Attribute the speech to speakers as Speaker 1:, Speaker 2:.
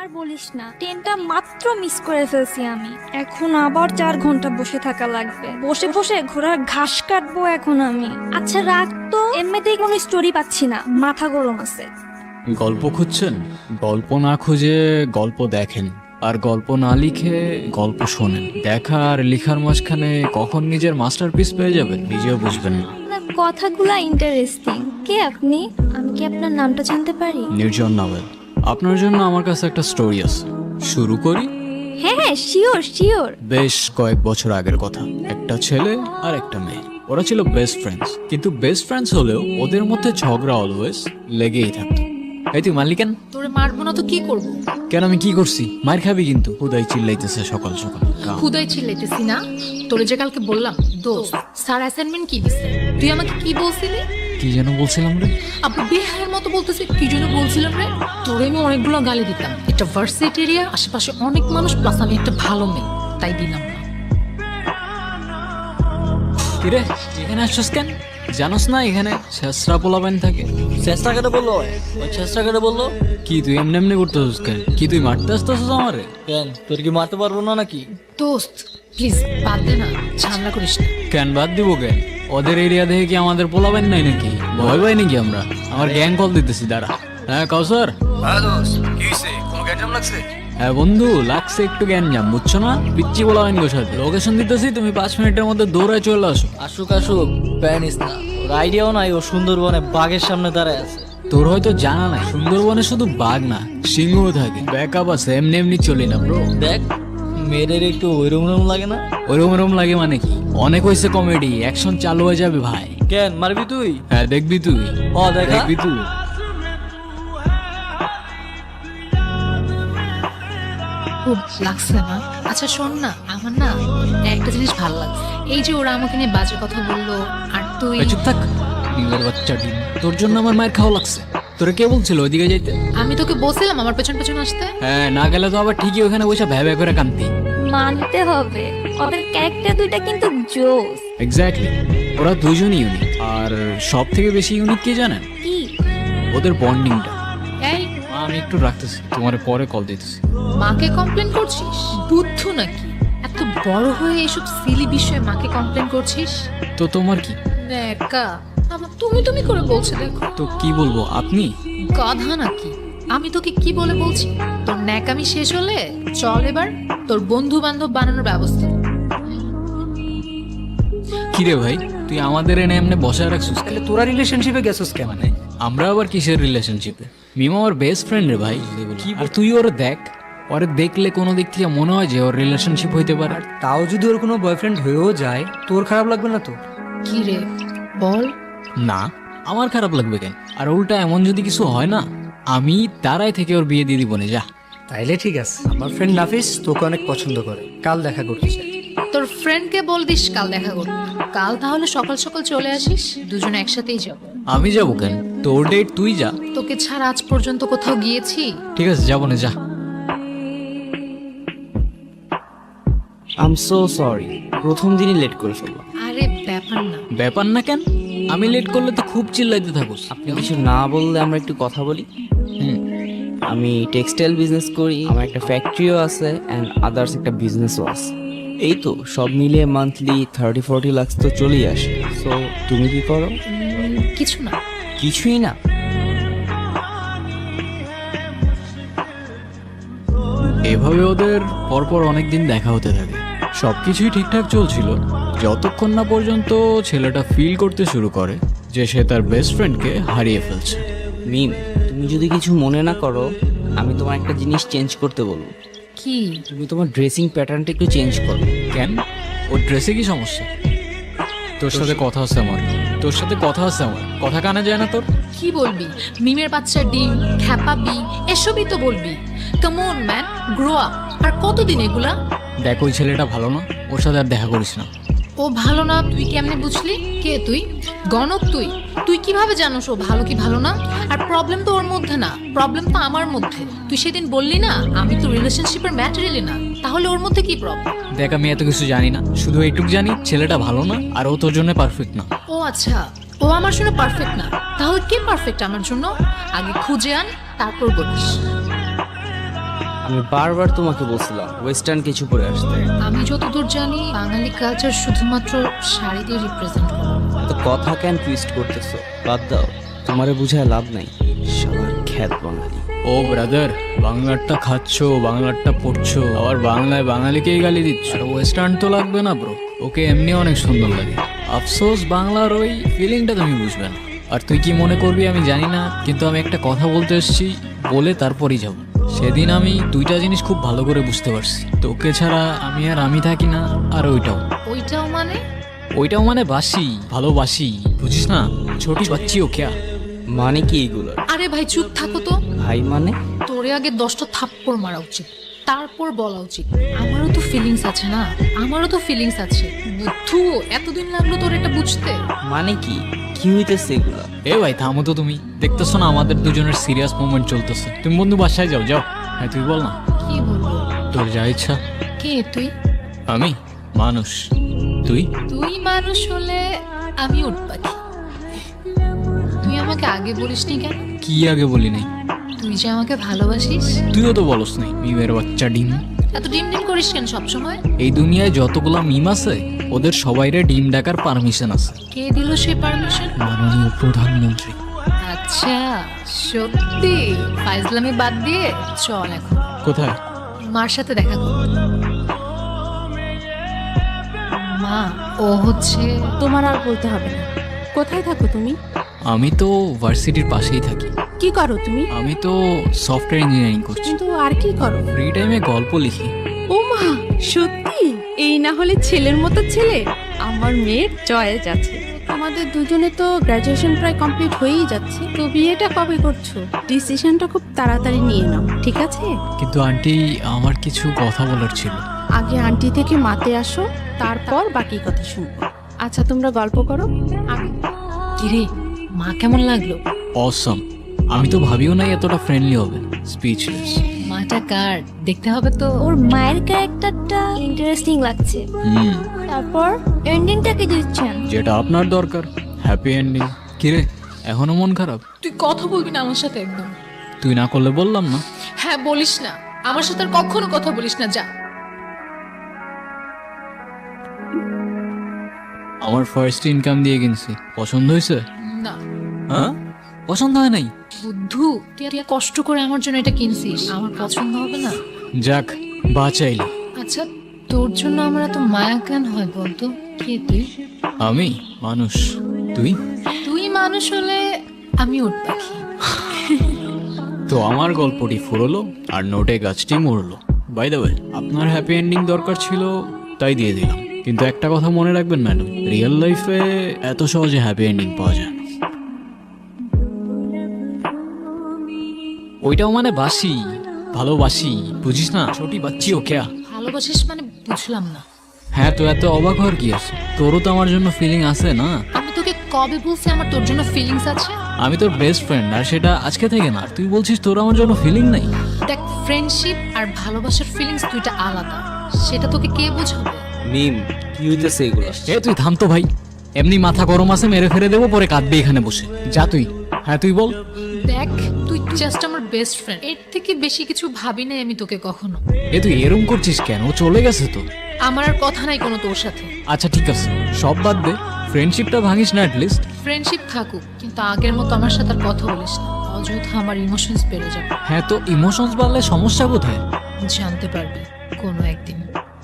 Speaker 1: আর বলিস না, ট্রেনটা মাত্র মিস করে ফেলছি আমি। এখন আবার 4 ঘন্টা বসে থাকা লাগবে। বসে বসে ঘোড়ার ঘাস কাটবো এখন আমি। আচ্ছা রাখ তো, এমনিতেই কোনো স্টোরি পাচ্ছি না, মাথা গরম আছে।
Speaker 2: গল্প খুঁজছেন? গল্প না খুঁজে গল্প দেখেন, আর গল্প না লিখে গল্প শোনেন। দেখা আর লিখার মাঝখানে কখন নিজের মাস্টারপিস পেয়ে যাবেন নিজেও বুঝবেন না।
Speaker 1: আপনার কথাগুলা ইন্টারেস্টিং। কে আপনি? আমি কি আপনার নামটা জানতে পারি?
Speaker 2: নির্জন নাভেল। আপনার জন্য আমার কাছে একটা স্টোরি আছে, শুরু করি?
Speaker 1: হ্যাঁ হ্যাঁ, শিওর শিওর।
Speaker 2: বেশ কয়েক বছর আগের কথা। একটা ছেলে আর একটা মেয়ে, ওরা ছিল বেস্ট ফ্রেন্ডস। কিন্তু বেস্ট ফ্রেন্ডস হলেও ওদের মধ্যে ঝগড়া অলওয়েজ লেগেই থাকতো। এই তুই মারলি কেন?
Speaker 3: তোরে মারবো না তো কি করবো?
Speaker 2: কেন, আমি কি করছি? মার খাবি কিন্তু। হুদাই চিল্লাইতেছে সকাল সকাল।
Speaker 3: খুদাই চিল্লাইতেছি না। তোরে যে কালকে বললাম দোস্ত স্যার অ্যাসাইনমেন্ট কি দিছে, তুই আমাকে কি বলছিলি?
Speaker 2: কি যেন বলছিলাম রে?
Speaker 3: আপু বেহায়ের মতো বলতেছে কি যেন বলছিলাম রে। তোরে আমি অনেকগুলো গালি দিতাম। এটা ভার্সিটি এরিয়া, আশেপাশে অনেক মানুষ, প্লাস আমি একটা ভালো মেয়ে, তাই দিলাম না।
Speaker 2: কিরে এখানে আসছস কেন? জানোস না এখানে শেষরা পোলাবেন থাকে?
Speaker 4: চেষ্টা কেটে বললো, ওই চেষ্টা কেটে বললো।
Speaker 2: কি তুই এমনি এমনি করতেছিস কেন? কি তুই মারতে আসতেছিস আমারে?
Speaker 4: কেন, তোর কি মারতে পারবো না নাকি?
Speaker 3: দোস্ত প্লিজ বাদ দে না, ঝামেলা করিস না।
Speaker 2: কেন বাদ দিব কেন? ওদের এরিয়া দেখে কি আমাদের পোলাবেন নাই নাকি? ভয় পাই নাকি আমরা? আমার গ্যাং কল দিতেছি, দাঁড়া। হ্যাঁ কাউসার। হ্যাঁ বন্ধু, লাগছে একটু গ্যাঞ্জাম, বুঝছো না? পিচ্ছি পোলাবেন গো সাথে। লোকেশন দিতেছি, তুমি 5 মিনিটের মধ্যে দৌড়ায় চলে আসো।
Speaker 4: আসুক আসুক, প্যানিস না। ওর আইডিয়াও নাই ও সুন্দরবনে বাঘের সামনে দাঁড়ায় আছে।
Speaker 2: তোর হয়তো জানা নাই, সুন্দরবনে শুধু বাঘ না সিংহও থাকে। ব্যাকআপ আছে, এমনি এমনি চলি না ব্রো।
Speaker 4: দেখ মেয়েদের একটু ওইরকম লাগে না?
Speaker 2: ওরম লাগে মানে কি? অনেক হয়েছে কমেডি, অ্যাকশন চালু হয়ে যাবে ভাই।
Speaker 4: কেন মারবি তুই?
Speaker 2: হ্যাঁ দেখবি তুই।
Speaker 4: ও দেখা।
Speaker 2: দেখবি তুই।
Speaker 3: খুব লাগছে না? আচ্ছা শোন না, আমার না একটা জিনিস ভালো লাগছে। এই যে ওরা আমাকে নিয়ে বাজে কথা বললো, আর তুই
Speaker 2: এই চুপ থাক নিজের বাচ্চা ডিম। তোর জন্য আমার মায়ের খাওয়া লাগছে। তোরা কে বলছিল ওইদিকে যাইতে?
Speaker 3: আমি তোকে বলছিলাম আমার পেছন পেছন আসতে।
Speaker 2: হ্যাঁ, না গেলে তো আবার ঠিকই ওখানে বসে ভ্যা ভ্যা করে কান্তি।
Speaker 1: মানতে হবে, ওদের ক্যারেক্টার দুইটা কিন্তু জোস।
Speaker 2: এক্স্যাক্টলি, ওরা দুজনই ইউনিক। আর সব থেকে বেশি ইউনিক কি জানেন?
Speaker 1: কি?
Speaker 2: ওদের বন্ডিংটা।
Speaker 3: এই
Speaker 2: আমি একটু রাখতেছি, তোমার পরে কল দিতেছি।
Speaker 3: মাকে কমপ্লেন করছিস? বুদ্ধ নাকি? এত বড় হয়ে এসব সিলি বিষয়ে মাকে কমপ্লেন করছিস?
Speaker 2: তো তোমার কি?
Speaker 3: একা আবার তুমি তুমি করে বলছে, দেখো
Speaker 2: তো কি বলবো, আপনি?
Speaker 3: গাধা নাকি? আমি তোকে কি বলে বলছি? তোর ন্যাকামি শেষ হলে চল এবার তোর বন্ধু বান্ধব বানানোর ব্যবস্থা।
Speaker 2: কিরে ভাই, তুই আমাদের এনে এমনি বসায় রাখছিস?
Speaker 5: তাহলে তোরা রিলেশনশিপে গেছিস কে? মানে
Speaker 2: আমরা আবার কিসের রিলেশনশিপে? মিমা আমার বেস্ট ফ্রেন্ড রে ভাই। আর তুই ওর দেখ, ওরে দেখলে কোনো দিক থেকে মনে হয় যে ওর রিলেশনশিপ হইতে পারে।
Speaker 5: আর তাও যদি ওর কোনো বয়ফ্রেন্ড হয়েও যায়, তোর খারাপ লাগবে না তো?
Speaker 3: কি রে বল।
Speaker 2: না, আমার খারাপ লাগবে কেন? আর উল্টা এমন যদি কিছু হয় না, আমি তারাই থেকে ওর বিয়ে দিয়ে দিব না। যা।
Speaker 5: তাইলে ঠিক আছে। আমার ফ্রেন্ড নাফিস তোকে অনেক পছন্দ করে, কাল দেখা করতে চাই।
Speaker 3: তোর ফ্রেন্ডকে বল দিস কাল দেখা করতে। কাল তাহলে সকাল সকাল চলে আসিস, দুজনে একসাথেই যাব।
Speaker 2: আমি যাবো কেন? তোর ডেট তুই যা।
Speaker 3: তোকে ছাড়া আজ পর্যন্ত কোথাও গিয়েছি?
Speaker 2: ঠিক আছে, যাবো না, যা।
Speaker 6: আই এম সো সরি, প্রথম দিনই লেট করে ফেললাম।
Speaker 3: আরে ব্যাপার না।
Speaker 2: ব্যাপার না কেন? আমি লেট করলে তো খুব চিল্লাইতে থাকুস।
Speaker 6: আপনি কিছু না বললে আমরা একটু কথা বলি।
Speaker 2: হুম।
Speaker 6: আমি টেক্সটাইল বিজনেস করি, আমার একটা ফ্যাক্টরিও আছে অ্যান্ড আদার্স একটা বিজনেসও আছে। এই তো সব মিলিয়ে মান্থলি 30-40 লাখ তো চলেই আসে। সো তুমি কি করো?
Speaker 3: কিছু না।
Speaker 6: কিছুই না?
Speaker 2: এভাবে ওদের পরপর অনেকদিন দেখা হতে থাকে। সবকিছুই ঠিকঠাক চলছিল, যতক্ষণ না পর্যন্ত ছেলেটা ফিল করতে শুরু করে যে সে তার বেস্ট ফ্রেন্ডকে হারিয়ে ফেলছে।
Speaker 6: মিম, তুমি যদি কিছু মনে না করো, আমি তোমার একটা জিনিস চেঞ্জ করতে বলবো।
Speaker 3: কি?
Speaker 6: তুমি তোমার ড্রেসিং প্যাটার্নটা একটু চেঞ্জ করো।
Speaker 2: কেন? ওর ড্রেসে কি সমস্যা? তোর সাথে কথা আছে আমার, তোর সাথে কথা আছে আমার, কথা কানে যায় না তোর?
Speaker 3: কি বলবি? মিমের বাচ্চা ডিম খ্যাপাবি, এসবই তো বলবি। Come on man, grow up. আর কতদিন এগুলা?
Speaker 2: দেখ, ওই ছেলেটা ভালো না, ওর সাথে আর দেখা করিস না।
Speaker 3: ও ভালো না তুই কেমনে বুঝলি? কে তুই? গণক তুই? তুই কিভাবে জানোস ও ভালো কি ভালো না? আর প্রবলেম তো ওর মধ্যে না, প্রবলেম তো আমার মধ্যে। তুই সেদিন বললি না আমি তো রিলেশনশিপের ম্যাটেরিয়ালি না, তাহলে ওর মধ্যে কি প্রবলেম?
Speaker 2: দেখ, আমি এত কিছু জানি না, শুধু এইটুকু জানি ছেলেটা ভালো না আর ও তোর জন্য পারফেক্ট না।
Speaker 3: ও আচ্ছা, ও আমার জন্য পারফেক্ট না, তাহলে কে পারফেক্ট আমার জন্য? আগে খুঁজে আন, তারপর বলিস।
Speaker 6: আমি বারবার তোমাকে বলছিলাম ওয়েস্টার্ন কিছু পরে আসতে।
Speaker 3: আমি যতদূর জানি বাঙালি কালচার শুধুমাত্র শাড়ি দিয়ে রিপ্রেজেন্ট করে।
Speaker 6: তো কথা কেন টুইস্ট করতেছো? বাদ দাও, তোমারে বুঝায় লাভ নাই। সবার খ্যাত বাঙালি।
Speaker 2: ও ব্রাদার, বাংলারটা খাচ্ছো, বাংলারটা পড়ছো, আবার বাংলায় বাঙালিকেই গালি দিচ্ছ। আর ওয়েস্টার্ন তো লাগবে না ব্রো, ওকে এমনি অনেক সুন্দর লাগে। আফসোস বাংলার ওই ফিলিংটা তুমি বুঝবে না। আর তুই কি মনে করবি আমি জানি না, কিন্তু আমি একটা কথা বলতে এসেছি, বলে তারপরই যাব। সেদিন আমি দুইটা জিনিস খুব ভালো করে বুঝতে পারছি, তোকে ছাড়া আমি আর আমি থাকি না, আর ওইটাও মানে বাসি, ভালোবাসি, বুঝিস না? ছোটি বাচ্চি ও ক্যা?
Speaker 6: মানে কি এগুলো?
Speaker 3: আরে ভাই চুপ থাকো তো।
Speaker 6: ভাই মানে?
Speaker 3: তোরে আগে 10টা থাপ্পড় মারা উচিত, তারপর বলা উচিত আমারও তো ফিলিংস আছে না, আমারও তো ফিলিংস আছে। বুদ্ধু, এতদিন লাগলো তোর এটা বুঝতে?
Speaker 6: মানে কি কি হইতেছে এগুলা?
Speaker 2: এ ভাই থামো তো, তুমি দেখতেছো না আমাদের দুজনের সিরিয়াস মোমেন্ট চলতেছে? তুমি বন্ধু বাসায় যাও, যাও। হ্যাঁ তুই বল না,
Speaker 3: কি বলবো?
Speaker 2: তোর যা ইচ্ছা।
Speaker 3: কে তুই?
Speaker 2: আমি মানুষ, তুই?
Speaker 3: তুই মানুষ হলে আমি উট পাখি। তুই আমাকে আগে বলিসনি কেন?
Speaker 2: কি আগে বলি নাই?
Speaker 3: তুই যে আমাকে ভালোবাসিস।
Speaker 2: তুইও তো বলস নাই, মিমের বাচ্চা ডিম।
Speaker 3: এত ডিম ডিম করিস কেন সবসময়?
Speaker 2: এই দুনিয়ায় যতগুলা মিম আছে ওদের সবাইরে ডিম ডাকার পারমিশন আছে
Speaker 3: কে দিল সেই পারমিশন?
Speaker 2: মাননীয় প্রধানমন্ত্রী।
Speaker 3: আচ্ছা, সত্যি? ফাইজলামি বাদ দিয়ে চল এখন
Speaker 2: কোথায়?
Speaker 3: মার সাথে দেখা কর। মা, ও হচ্ছে।
Speaker 7: তোমার আর বলতে হবে না। কোথায় থাকো তুমি?
Speaker 2: আমি তো ভার্সিটির পাশেই থাকি।
Speaker 7: কি করো তুমি?
Speaker 2: আমি তো সফটওয়্যার ইঞ্জিনিয়ারিং করছি।
Speaker 7: কিন্তু আর কি করো?
Speaker 2: ফ্রি টাইমে গল্প লিখি।
Speaker 7: ও মা, সত্যি? এই না হলে ছেলের মতো ছেলে। আমার মেয়ের চয়েস আছে। আমাদের দুজনে তো গ্র্যাজুয়েশন প্রায় কমপ্লিট হয়েই যাচ্ছে, তো বিয়েটা কবে করছো? ডিসিশনটা খুব তাড়াতাড়ি নিয়ে নাও, ঠিক আছে?
Speaker 2: কিন্তু আন্টি, আমার কিছু কথা বলার ছিল।
Speaker 7: আগে আন্টি থেকে মাতে আসো, তারপর বাকি কথা শুনবো। আচ্ছা, তোমরা গল্প করো। আমি
Speaker 3: কিরে, মা কেমন লাগলো?
Speaker 2: অসম। আমি তো ভাবিও নাই এতটা ফ্রেন্ডলি হবে। স্পিচলেস।
Speaker 3: মাটা কার দেখতে হবে তো।
Speaker 1: ওর মায়ের ক্যারেক্টারটা ইন্টারেস্টিং লাগছে। তারপর এন্ডিংটা কি দিচ্ছেন?
Speaker 2: যেটা আপনার দরকার, হ্যাপি এন্ডিং। কিরে, এখনো মন খারাপ?
Speaker 3: তুই কথা বলবি না আমার সাথে একদম?
Speaker 2: তুই না করলে বললাম না।
Speaker 3: হ্যাঁ, বলিস না আমার সাথে, আর কখনো কথা বলিস না, যা।
Speaker 2: আমার ফার্স্ট ইনকাম দিয়ে কিনছি, পছন্দ হয়েছে?
Speaker 3: না।
Speaker 2: হ্যাঁ, পছন্দ হয় নাই?
Speaker 3: বুদ্ধু, তুই এত কষ্ট করে আমার জন্য এটা কিনছিস, আমার পছন্দ হবে না?
Speaker 2: যাক, বাঁচাইলি।
Speaker 3: আচ্ছা, তোর জন্য আমার এত মায়া কেন হয় বলতো? কে তুই?
Speaker 2: আমি মানুষ, তুই?
Speaker 3: তুই মানুষ হলে আমি উট পাখি।
Speaker 2: তো আমার গল্পটি ফুরলো আর নোটে গাছটি মরলো। বাই দ্য ওয়ে, আপনার হ্যাপি এন্ডিং দরকার ছিল তাই দিয়ে দিলাম। কিন্তু একটা কথা মনে রাখবেন ম্যাডাম, রিয়েল লাইফে এত সহজে হ্যাপি এন্ডিং পাওয়া যায় না। ওইটাও মানে বাসি, ভালোবাসি, বুঝিস না? ছোটি বাচ্চি ও ক্যা?
Speaker 3: ভালোবাসিস মানে বুঝলাম না।
Speaker 2: হ্যাঁ, তো এত অবাক হওয়ার কি আছে? তোরও তো আমার জন্য ফিলিং আছে না?
Speaker 3: আমি তোকে কবে বলছি আমার তোর জন্য ফিলিংস আছে?
Speaker 2: আমি তোর বেস্ট ফ্রেন্ড, আর সেটা আজকে থেকে না। আর তুই বলছিস তোর আমার জন্য ফিলিং নাই?
Speaker 3: দেখ, ফ্রেন্ডশিপ আর ভালোবাসার ফিলিংস দুইটা আলাদা, সেটা তোকে কে বোঝাবে?
Speaker 6: মিম, কি হইতেছে এগুলা?
Speaker 2: এ তুই থাম তো ভাই, এমনি মাথা গরম আছে, মেরে ফেলে দেবো, পরে কাঁদবে এখানে বসে। যা তুই। হ্যাঁ তুই বল।
Speaker 3: দেখ, তুই জাস্ট আমার বেস্ট ফ্রেন্ড, এর থেকে বেশি কিছু ভাবি নাই আমি তোকে কখনো।
Speaker 2: এ তুই এরম করছিস কেন? ও চলে গেছে তো।
Speaker 3: আমার আর কথা নাই কোনো তোর সাথে।
Speaker 2: আচ্ছা ঠিক আছে, সব বাদ দে, ফ্রেন্ডশিপটা ভাঙিস না অ্যাটলিস্ট।
Speaker 3: ফ্রেন্ডশিপ থাকুক, কিন্তু আগের মতো আমার সাথে আর কথা বলিস না, অযথা আমার ইমোশনস বেড়ে যাবে।
Speaker 2: হ্যাঁ, তো ইমোশনস বাড়লে সমস্যা কোথায়?
Speaker 3: জানতে পারবি কোনো একদিন।